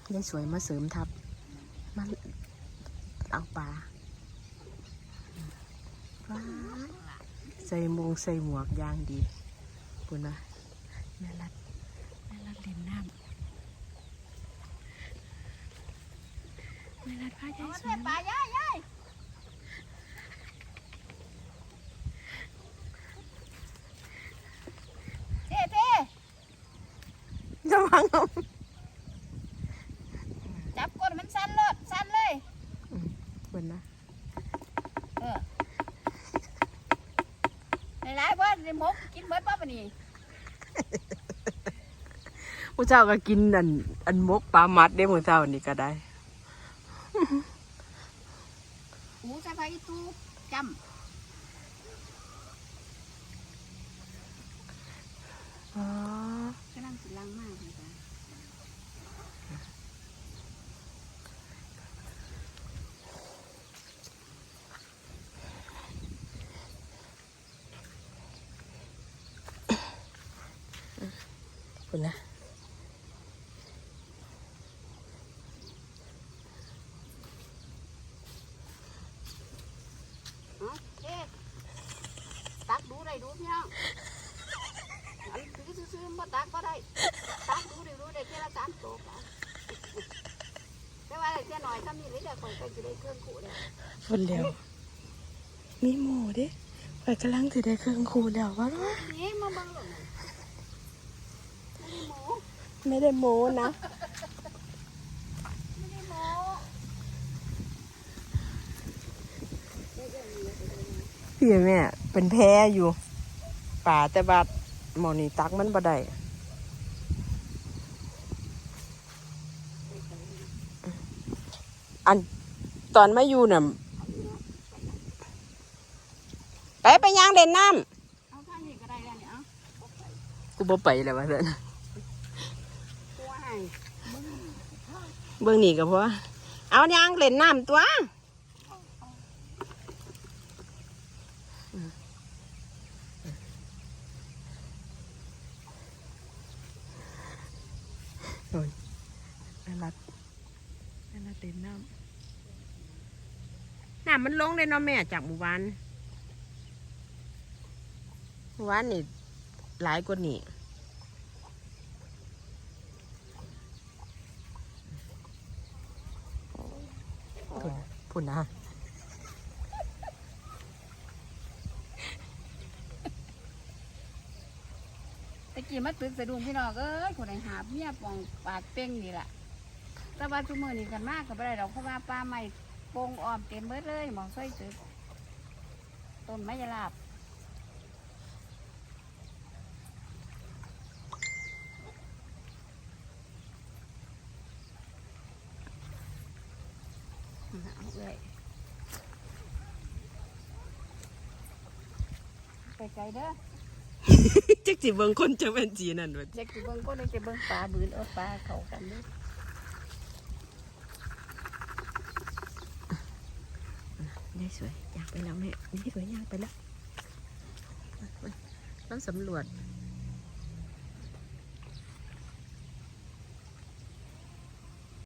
ยายสวยมาเสริมทับมาเอาปลาใส่มงใส่หมวกยางดีคุณนะแม่รัดเล่นน้ำแม่รัดพายายสวยปลายายเท่ระวังจับก้นมันสั้นเลยคุณนะหลายๆบ้านมกกินเบิดป้าปนี่ผู้เจ้าก็กินอันมกปลามัดได้ผู้เจ้านี่ก็ได้หูใส่ไฟตู้จำอ๋อกำลังสิลังมากเลยจ้ะคุณนะตักดูได้ดูพี่น้องอันคือซื้อมาตักก็ได้ตักดูได้แค่ละ3 ตัวแต่ว่าแค่หน่อยถ้ามีเลยเดี๋ยวคนไปจะได้เครื่องขู่เลยฝนเร็วมีหมูดิไปกำลังจะได้เครื่องขู่แล้ววะนี่มาบังหรอไม่ได้โม้นะไม่ได้โม้พี่แม่เป็นแพ้อยู่ป่าแต่บาดหมอนี่ตักมันบ่ได้อันตอนมาอยู่น่ะไปย่างเด่นน้ำเอาท่านี้ก็ได้แล้วเนี่ยกูบ่ไปแล้ววะเด้อเบื้องนี่ก็พอเอาย่างเล่นน้ำตัวโอ้ยน่ารักเล่นน้ำมันลงเลยเนาะแม่จากหมู่บ้านนี่หลายกว่านี่พุ่นนะตะกี้มาตึกสะดุ้งพี่น้องคนไหนหาเมียปองปากเป้งนี่แหละแต่ว่าจุ่มมือนี่กันมากกับอะไรดอกเพราะว่าปลาใหม่โป่งอ้อมเต็มเบิดเลยมองช่วยตึกต้นไม้ยาลาบเอาเลยไปไกลเด้อจักจิเบิ้งคนจะเป็นจีนั่นวะจักจิเบิ้งคนจะเบิ้งปลาบืนปลาเขากันด้วยนี่สวยอยากไปแล้วแม่นี่สวยอยากไปแล้วต้องสำรวจ